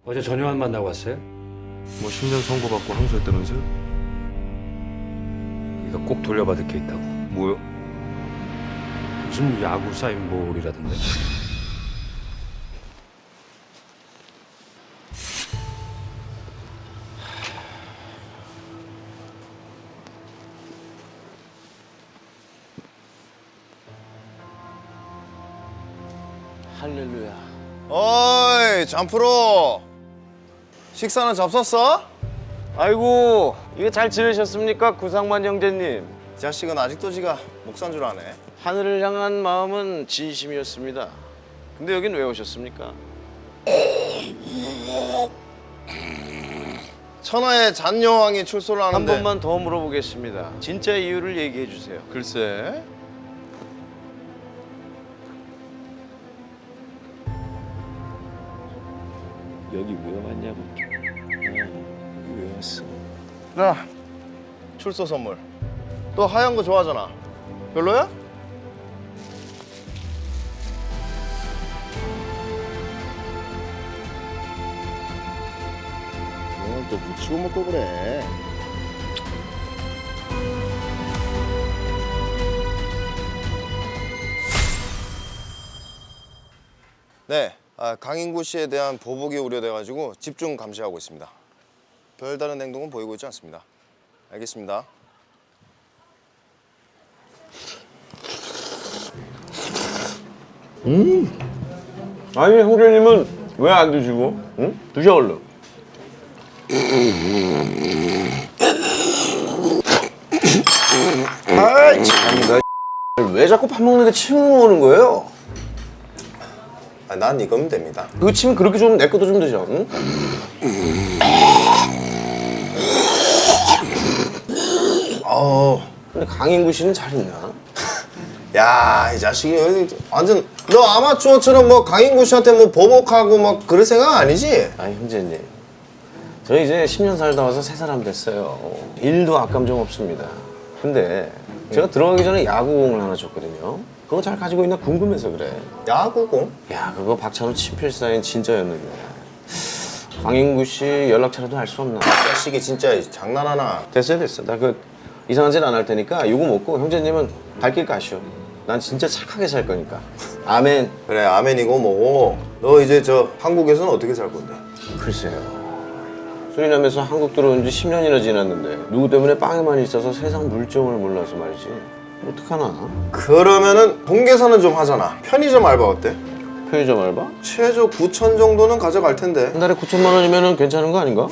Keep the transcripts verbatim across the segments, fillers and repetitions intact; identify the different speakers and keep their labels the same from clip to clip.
Speaker 1: 어제 전효환 만나고 왔어요?
Speaker 2: 뭐 십 년 선고받고 항소했다면서요?
Speaker 1: 이거 꼭 돌려받을 게 있다고.
Speaker 2: 뭐요?
Speaker 1: 무슨 야구 사인볼이라던데.
Speaker 3: 할렐루야.
Speaker 4: 어이, 잠프로. 식사는 잡섰어?
Speaker 3: 아이고, 이거 잘 지내셨습니까? 구상만 형제님.
Speaker 4: 이 자식은 아직도 지가 목산 줄 아네.
Speaker 3: 하늘을 향한 마음은 진심이었습니다. 근데 여긴 왜 오셨습니까?
Speaker 4: 천하의 잔여왕이 출소를
Speaker 3: 한
Speaker 4: 하는데
Speaker 3: 번만 더 물어보겠습니다. 진짜 이유를 얘기해 주세요.
Speaker 4: 글쎄.
Speaker 3: 여기 왜 왔냐고. 여기 왜 왔어?
Speaker 4: 자, 출소 선물. 너 하얀 거 좋아하잖아. 별로야? 오늘 또 묻히고 먹고 그래. 네, 아, 강인구 씨에 대한 보복이 우려돼가지고 집중 감시하고 있습니다. 별다른 행동은 보이고 있지 않습니다. 알겠습니다.
Speaker 3: 아니, 형제님은 왜 안 드시고? 응? 드셔 얼른. 아이 참, 왜 자꾸 밥 먹는데 침을 오는 거예요?
Speaker 4: 아, 난 이거면 됩니다.
Speaker 3: 그 침 그렇게 좋으면 내 것도 좀 드셔. 응?
Speaker 4: 어,
Speaker 3: 근데 강인구 씨는 잘 있나?
Speaker 4: 야, 이 자식이 여기 완전 너 아마추어처럼 뭐 강인구 씨한테 뭐 보복하고 막 그럴 생각 아니지?
Speaker 3: 아니 형제님, 저 이제 십 년 살다 와서 새 사람 됐어요. 일도 악감정 없습니다. 근데 제가 들어가기 전에 야구공을 하나 줬거든요. 그거 잘 가지고 있나 궁금해서 그래.
Speaker 4: 야구공?
Speaker 3: 야, 그거 박찬호 친필 사인 진짜였는데. 강인구 씨 연락처라도 알 수 없나?
Speaker 4: 자식이 진짜 장난하나?
Speaker 3: 됐어요, 됐어. 나 그 이상한 짓 안 할 테니까 이거 먹고 형제님은 발길 가시오. 난 진짜 착하게 살 거니까. 아멘.
Speaker 4: 그래, 아멘이고 뭐고. 너 이제 저 한국에서는 어떻게 살 건데?
Speaker 3: 글쎄요. 수리남에서 한국 들어온 지 십 년이나 지났는데 누구 때문에 빵에만 있어서 세상 물정을 몰라서 말이지. 어떡하나?
Speaker 4: 그러면은 동계산은 좀 하잖아. 편의점 알바 어때?
Speaker 3: 편의점 알바?
Speaker 4: 최저 구천 정도는 가져갈 텐데.
Speaker 3: 한 달에 구천만 원이면 괜찮은 거 아닌가?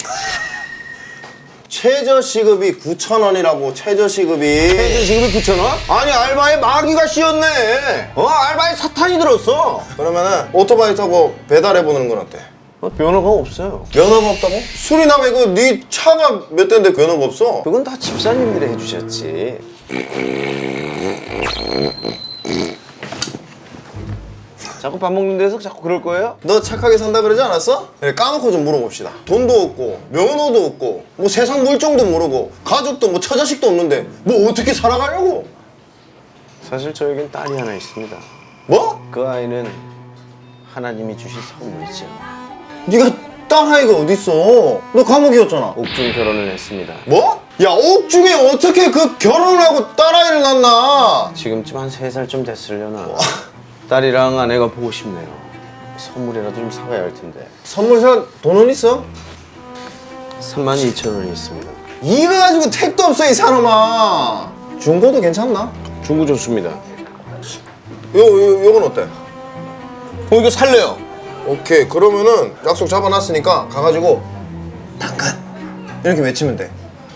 Speaker 4: 최저 시급이 구천 원이라고. 최저 시급이.
Speaker 3: 최저 지금이 구천 원?
Speaker 4: 아니, 알바에 마귀가 씌었네.
Speaker 3: 어, 알바에 사탄이 들었어.
Speaker 4: 그러면은 오토바이 타고 배달해보는 건 어때?
Speaker 3: 어, 면허가 없어요.
Speaker 4: 면허가 없다고? 수리남에 그 네 차가 몇 대인데 면허가 없어?
Speaker 3: 그건 다 집사님들이 해주셨지. 자꾸 밥 먹는 데서 자꾸 그럴 거예요?
Speaker 4: 너 착하게 산다 그러지 않았어? 그래, 까놓고 좀 물어봅시다. 돈도 없고 면허도 없고 뭐 세상 물정도 모르고 가족도 뭐 처자식도 없는데 뭐 어떻게 살아가려고?
Speaker 3: 사실 저에겐 딸이 하나 있습니다.
Speaker 4: 뭐?
Speaker 3: 그 아이는 하나님이 주신 선물이죠.
Speaker 4: 네가 딸아이가 어딨어? 너 감옥이었잖아.
Speaker 3: 옥중 결혼을 했습니다.
Speaker 4: 뭐? 야, 옥중에 어떻게 그 결혼을 하고 딸아이를 낳나?
Speaker 3: 지금쯤 한 세 살쯤 됐으려나. 딸이랑 아내가 보고 싶네요. 선물이라도 좀 사가야 할 텐데.
Speaker 4: 선물 사 돈은 있어?
Speaker 3: 삼만 이천 원이 있습니다.
Speaker 4: 이거 가지고 택도 없어, 이 사람아. 중고도 괜찮나?
Speaker 3: 중고 좋습니다.
Speaker 4: 요, 요, 요건 어때?
Speaker 3: 어, 이거 살래요.
Speaker 4: 오케이, 그러면은 약속 잡아놨으니까 가가지고 당근 이렇게 외치면 돼.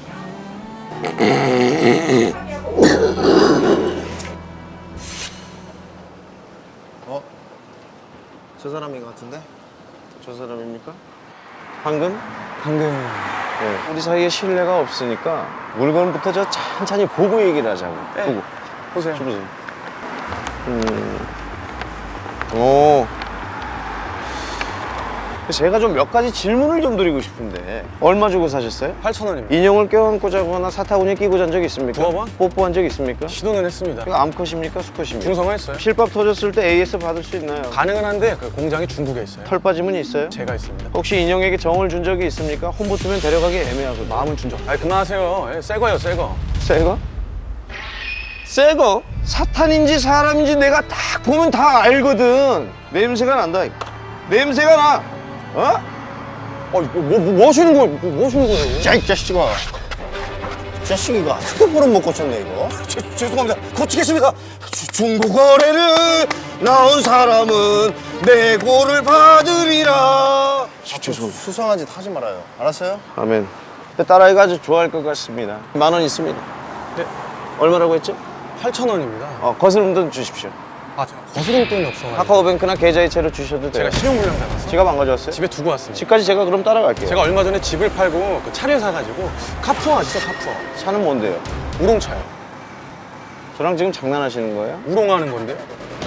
Speaker 4: 어? 저 사람인 것 같은데?
Speaker 3: 저 사람입니까? 황금? 황금. 네. 우리 사이에 신뢰가 없으니까 물건부터 저 천천히 보고 얘기를 하자고.
Speaker 4: 네.
Speaker 3: 보고.
Speaker 4: 보세요.
Speaker 3: 보세요. 음. 오. 제가 좀 몇 가지 질문을 좀 드리고 싶은데 얼마 주고 사셨어요?
Speaker 5: 팔천 원입니다.
Speaker 3: 인형을 껴안고 자거나 사타구니 끼고 잔 적 있습니까?
Speaker 5: 두어 번?
Speaker 3: 뽀뽀한 적 있습니까?
Speaker 5: 시도는 했습니다.
Speaker 3: 이거 암컷입니까? 수컷입니까?
Speaker 5: 중성화했어요.
Speaker 3: 실밥 터졌을 때 에이에스 받을 수 있나요?
Speaker 5: 가능은 한데 그 공장이 중국에 있어요.
Speaker 3: 털 빠짐은 있어요?
Speaker 5: 제가 있습니다.
Speaker 3: 혹시 인형에게 정을 준 적이 있습니까? 혼 붙으면 데려가기 애매하거든요.
Speaker 5: 마음은 준적. 아니 그만하세요. 예, 새 거예요, 새 거.
Speaker 3: 새 거? 새 거? 사탄인지 사람인지 내가 딱 보면 다 알거든. 냄새가 난다. 냄새가 나. 어?
Speaker 5: 어, 뭐, 뭐, 뭐 하시는 거예요? 뭐, 뭐 하시는 거예요?
Speaker 4: 야, 이 자식아. 이 자식이가 휴대폰은 못 고쳤네, 이거.
Speaker 5: 죄, 죄송합니다. 고치겠습니다.
Speaker 4: 중고 거래를 나온 사람은 내고를 받으리라.
Speaker 3: 죄송.
Speaker 4: 수상한 짓 하지 말아요. 알았어요?
Speaker 3: 아멘. 근데 딸아이가 아주 좋아할 것 같습니다. 만 원 있습니다.
Speaker 5: 네.
Speaker 3: 얼마라고 했죠?
Speaker 5: 팔천 원입니다.
Speaker 3: 어, 거스름 돈 주십시오.
Speaker 5: 아, 제가 거스름 돈이 없어가지고.
Speaker 3: 카카오뱅크나 계좌이체로 주셔도 돼요.
Speaker 5: 제가 실용불량 당해서
Speaker 3: 지갑 안 가져왔어요?
Speaker 5: 집에 두고 왔습니다.
Speaker 3: 집까지 제가 그럼 따라갈게요.
Speaker 5: 제가 얼마 전에 집을 팔고 그 차를 사가지고 카푸어 아시죠? 카푸어.
Speaker 3: 차는 뭔데요?
Speaker 5: 우롱차요.
Speaker 3: 저랑 지금 장난하시는 거예요?
Speaker 5: 우롱하는 건데요.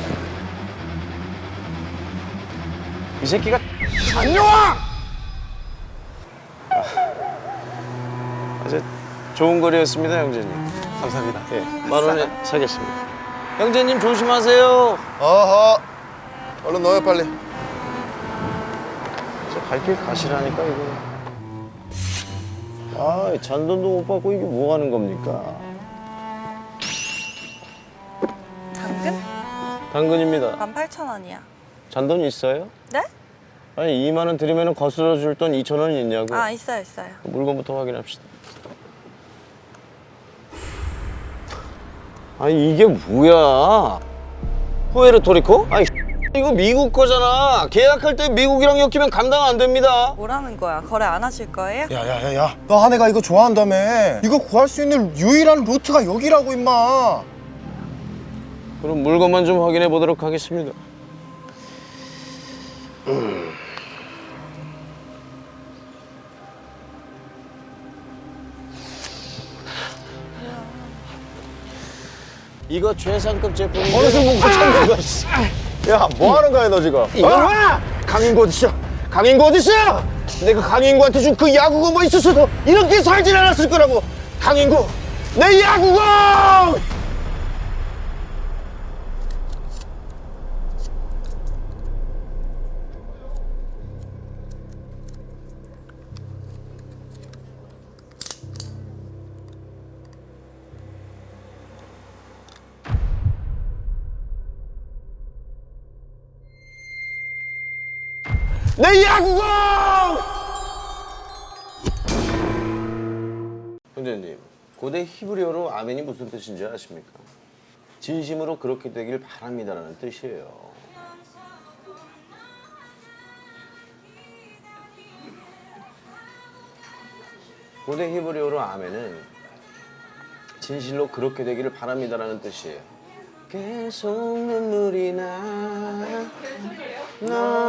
Speaker 3: 이 새끼가 안녕아! 아주 좋은 거리였습니다, 형제님.
Speaker 5: 감사합니다.
Speaker 3: 예, 만 원에 사겠습니다. 형제님 조심하세요.
Speaker 4: 어허. 얼른 넣어요, 빨리.
Speaker 3: 저 갈 길 가시라니까 이거. 아, 잔돈도 못 받고 이게 뭐 하는 겁니까?
Speaker 6: 당근?
Speaker 3: 당근입니다.
Speaker 6: 만 팔천 원이야.
Speaker 3: 잔돈 있어요?
Speaker 6: 네?
Speaker 3: 아니 이만 원 드리면 거슬러 줄 돈 이천 원 있냐고.
Speaker 6: 아, 있어요, 있어요.
Speaker 3: 물건부터 확인합시다. 아니 이게 뭐야? 후에르토리코? 아니 이거 미국 거잖아. 계약할 때 미국이랑 엮이면 감당 안 됩니다.
Speaker 6: 뭐라는 거야? 거래 안 하실 거예요?
Speaker 4: 야, 야, 야, 야. 너 한애가 이거 좋아한다며. 이거 구할 수 있는 유일한 루트가 여기라고, 임마.
Speaker 3: 그럼 물건만 좀 확인해 보도록 하겠습니다. 음. 이거 최상급 제품인데.
Speaker 4: 어느새 못 고쳤는 거야, 씨. 야, 뭐 하는 거야, 너 지금?
Speaker 3: 이거 봐! 강인구 어딨어? 강인구 어딨어? 내가 강인구한테 준 그 야구공 뭐 있었어도 이렇게 살진 않았을 거라고. 강인구, 내 야구공! 내 야구공! 형제님, 고대 히브리어로 아멘이 무슨 뜻인지 아십니까? 진심으로 그렇게 되길 바랍니다라는 뜻이에요. 고대 히브리어로 아멘은 진실로 그렇게 되기를 바랍니다라는 뜻이에요. 계속 눈물이 나. 너